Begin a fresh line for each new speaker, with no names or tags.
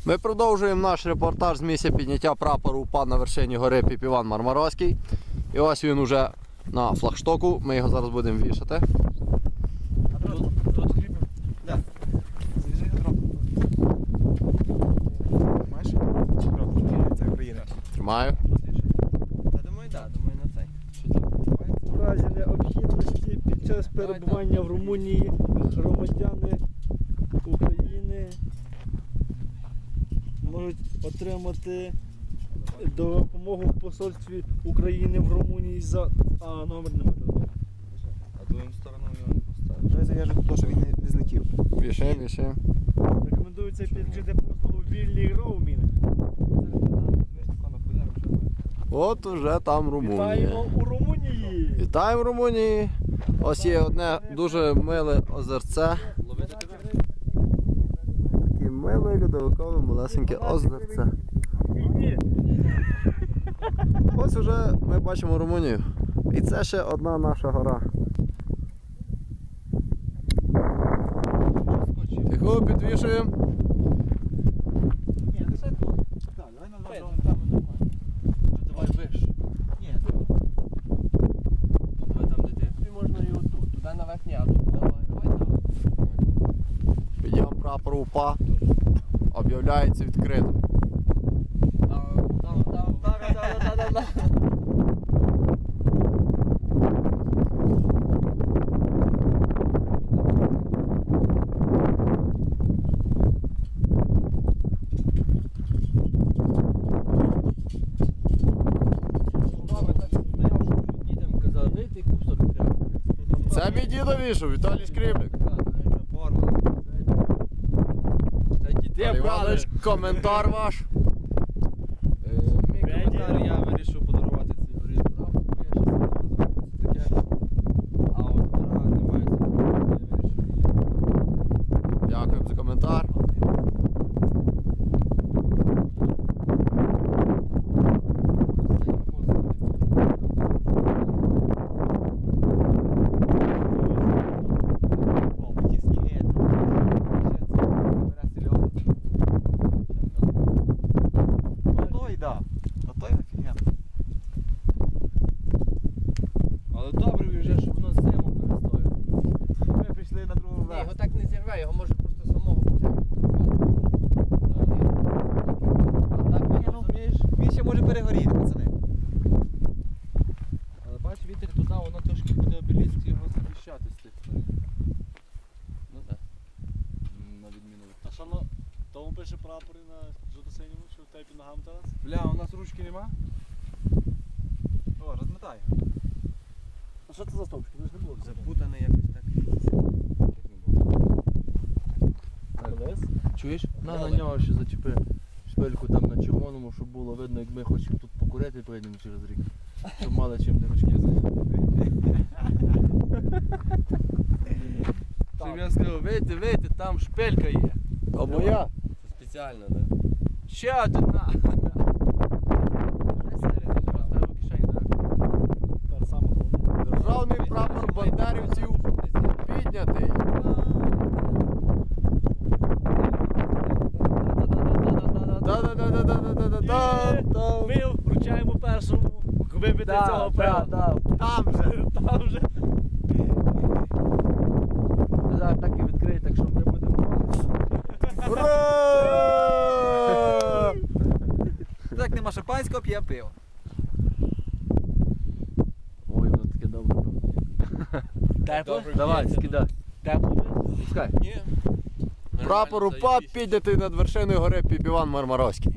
Ми продовжуємо наш репортаж з місця підняття прапору УПА на вершині гори Піпіван Мармаровський. І ось він уже на флагштоку, ми його зараз будемо вішати.
Тут кріпимо? Так. Завіжи його трохи. Маєш? Це Україна.
Тримаю.
Та думаю, так, думаю на цей.
В разі необхідності під час перебування в Румунії громадяни України можуть отримати допомогу в посольстві України в Румунії за... А, номер нема.
А другим стороною його не поставиш.
Вже зав'яжу тут, щоб він не злетів.
Вішаємо, вішаємо.
Рекомендується підключити послугу вільний роумінг.
От уже там Румунія.
Вітаємо у Румунії!
Вітаємо в Румунії. Ось є одне дуже миле озерце.
Ловити тебе?
Таке миле, льодовикове, малесеньке озерце. Ось уже ми бачимо Румунію. І це ще одна наша гора. Тихо, підвішуємо.
Ні, лише тут. Так, давай на два.
Давай виш.
Ні,
Давай там, де ти.
Тобі можна і отут, туди наверх ні, а тут давай там.
Підйом прапору УПА об'являється відкритим.
Дітям казали, вийти кусок треба.
Це мій дідо вішав, Віталій Скрипник.
Це діти
Іван
брали.
Іванович, коментар ваш.
Мій коментар, я вирішив подарувати цей горі прапор, бо я ще таке. А от гора немає, я вирішив її.
Дякуємо за коментар.
Але добре вже, щоб воно зиму перестоїло.
ми прийшли на другу
Ні,
версію.
його так не зірве, його може просто самого потягнути. А так він, розумієш?
Він ще може перегоріти, пацани.
Але бач, вітер туди, воно трошки буде обеліск його захищати з тих сторін. Ну так. На відміну від
А що на тому пише прапори на жовто-синьому, що в тейпі ногам зараз?
Бля, у нас ручки нема?
О, розмотай.
А що це за стовпчики? Це ж не було.
Запутаний якось так.
Колес?
Чуєш? На нього ще зачепи шпильку там на червоному, щоб було видно, як ми хочемо тут покурити і прийдемо через рік. Щоб мали чим де ручки закрити. Щоб я сказав, вийти, там шпилька є.
А моя?
Це спеціально, так? Ще одна! Ставив у кишені, так?
Тепер саме головне.
Державний прапор бандерівців піднятий. Да-да-да-да-да-да-да-да.
Ми вручаємо першому вибити цього пера.
Там же.
Там вже.
Зараз так і відкриє, так що ми будемо.
Ура!
Так нема шампанського, п'є пиво.
Ой, воно таке добре.
Тепло?
Давай, скидай.
Тепло?
Пускай.
Ні.
Прапор УПА піднятий над вершиною гори Піпіван Мармаровський.